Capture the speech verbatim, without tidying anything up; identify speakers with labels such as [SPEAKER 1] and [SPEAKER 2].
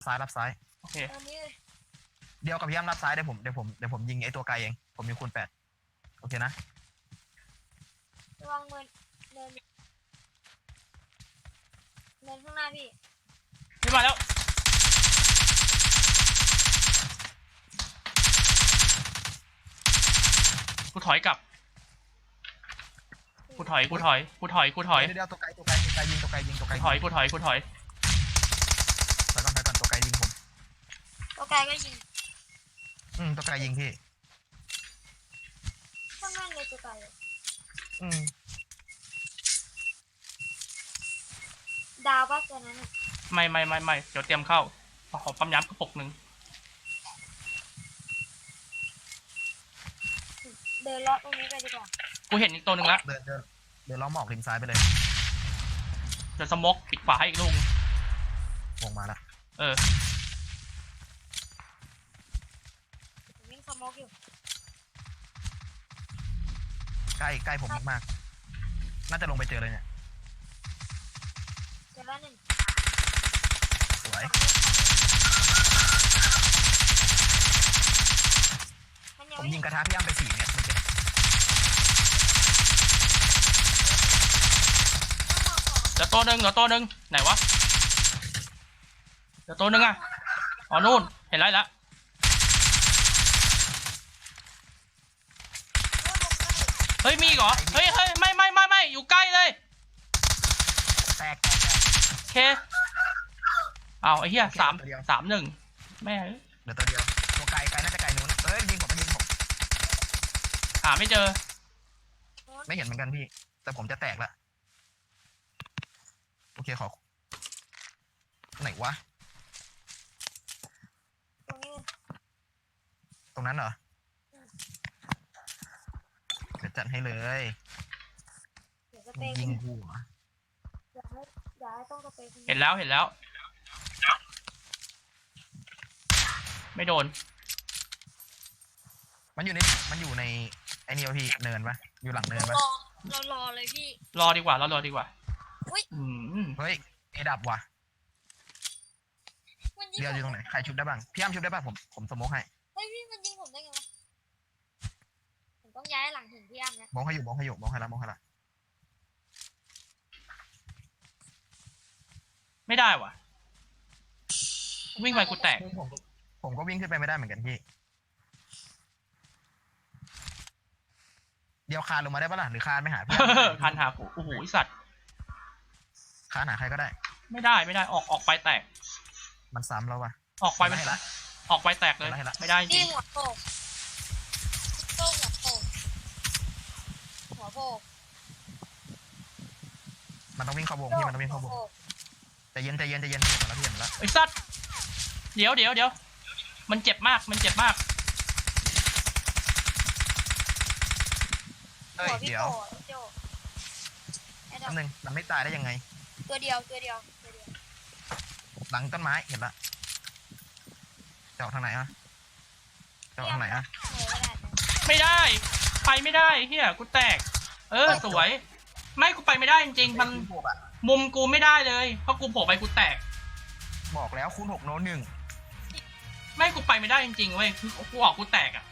[SPEAKER 1] ซ้ายรับซ้าย
[SPEAKER 2] โอเค
[SPEAKER 1] เดียวกับพี่อ้ำรับซ้ายเดี๋ยวผมเดี๋ยวผมเดี๋ยวผมยิงไอ้ตัวไกลเองผมมีคูณแปดโอเคนะ
[SPEAKER 3] ระวังเนินเนินเนินข้างหน้าพี่
[SPEAKER 2] ไม่มาแล้วกูถอยกลับกูถอยกูถอยกูถอยกูถอย
[SPEAKER 1] เดี๋ยวตัวไกลตัวไกลตัวไกลยิงตัวไกลยิงตัวไกล
[SPEAKER 2] ถอยกูถอยกูถอย
[SPEAKER 1] ไปก่อนไปก่อนตัวไกลยิงผม
[SPEAKER 3] ตัวไกลก็ยิง
[SPEAKER 1] อืมตัวไกลยิงพี่
[SPEAKER 3] ข้างหน้าเลยตัวไกล
[SPEAKER 1] อืม
[SPEAKER 3] ดาวป่ะตัวนั้น
[SPEAKER 2] ไม่ไม่ไม่ไม่เดี๋ยวเตรียมเข้าขอปั๊มย้ำกระปุกหนึ่ง
[SPEAKER 3] เดินเลาะตรงนี้ไปดีกว่า
[SPEAKER 2] กูเห็นอีกตัวหนึ่งละ
[SPEAKER 1] เดินเดินเดินล้อมหมอกริมซ้ายไปเลย
[SPEAKER 2] เดี๋ยวสมกปิดฝาให้อีกลูก
[SPEAKER 1] วงมาละ
[SPEAKER 2] เออ
[SPEAKER 3] วิ่งสโมกอยู่
[SPEAKER 1] ใกล้ใกล้ผมมากๆน่าจะลงไปเจอเลยเนี่ย
[SPEAKER 3] เจอแล้วหนึ่ง
[SPEAKER 1] สวยผมยิงกระทะพี่อ้ำไปสี่เนี่ยเมื่อกี้
[SPEAKER 2] เดี๋ยวตัวหนึ่งเดี๋ยวตัวหนึ่งไหนวะเดี๋ยวตัวหนึ่งอ่ะอ๋อนู่นเห็นไรละเฮ้ยมีเหรอเฮ้ยเฮ้ยไม่ไม่ไม่ไม่อยู่ใกล้เลย
[SPEAKER 1] แตกแตกแตก
[SPEAKER 2] โอเคเอาไอ้เหี้ยสามสามหนึ่งแม่
[SPEAKER 1] เดี๋ยวตัวเดียวตัวไกลไกลน่าจะไกลนู้นเอ้ยยิงผมมันยิงผม
[SPEAKER 2] หาไม่เจอ
[SPEAKER 1] ไม่เห็นเหมือนกันพี่แต่ผมจะแตกละโอเคขอไหนวะตรงนั้นเหรอเดี๋ยวจัดให้เลยยิงหัว
[SPEAKER 2] เห็นแล้วเห็นแล้วไม่โดน
[SPEAKER 1] มันอยู่ในมันอยู่ในไอ้นี่พี่เนินปะอยู่หลังเนินปะ
[SPEAKER 3] เรารอเลยพี่
[SPEAKER 2] รอดีกว่าเรารอดีกว่า
[SPEAKER 1] เฮ้ยเอดับว่ะเดียวอยู่ตรงไหนใครชุบได้บ้างพี่อ้ำชุบได้บ้างผมผมสโมกให้
[SPEAKER 3] เฮ้ยพี่มันยิงผมได้ไงวะผมต้องย้ายหลังถึงพี่อ้ำนะ
[SPEAKER 1] มองให้อยู่มองให้อยู่มองให้ละมองให้ละ
[SPEAKER 2] ไม่ได้ว่ะวิ่งไปกูแตก
[SPEAKER 1] ผมผมก็วิ่งขึ้นไปไม่ได้เหมือนกันพี่เดียวคานลงมาได้ปะล่ะหรือคานไม่หาพี่
[SPEAKER 2] คานหากูโอ้โหสัตว์
[SPEAKER 1] คานหาใครก็ได้
[SPEAKER 2] ไม่ได้ไม่ได้ออกออกไปแตก
[SPEAKER 1] มันซ้ำแล้ววะ
[SPEAKER 2] ออกไปมันละออกไปแตกเลยไม่ได้จริง
[SPEAKER 3] หัวโปกโต้หัวโปกหัวโปก
[SPEAKER 1] มันต้องวิ่งเข้าวงพี่มันต้องวิ่งเข้าวงใจเย็นใจเย็นใจเย็นแล้วพี่เห็นแล้ว
[SPEAKER 2] ไอ้สัตว์เดี๋ยวเดี๋ยวเดี๋ยวมันเจ็บมากมันเจ็บมาก
[SPEAKER 1] เฮ้ยเดี๋ยวอันหนึ่งมันไม่ตายได้ยังไง
[SPEAKER 3] ตัวเดียวตัวเดียวตัวเดียว
[SPEAKER 1] หลังต้นไม้เห็นละเจาะทางไหนอะเจาะทางไหนอะ
[SPEAKER 2] ไม่ได้ไปไม่ได้เฮียกูแตกเออสวยไม่กูไปไม่ได้จริงๆมันมุมกูไม่ได้เลยเพราะกูโผล่ไปกูแตก
[SPEAKER 1] บอกแล้วคูณหกโน้ตหนึ่ง
[SPEAKER 2] ไม่กูไปไม่ได้จริงๆเว้ยกูออกกูแตกอ่ะ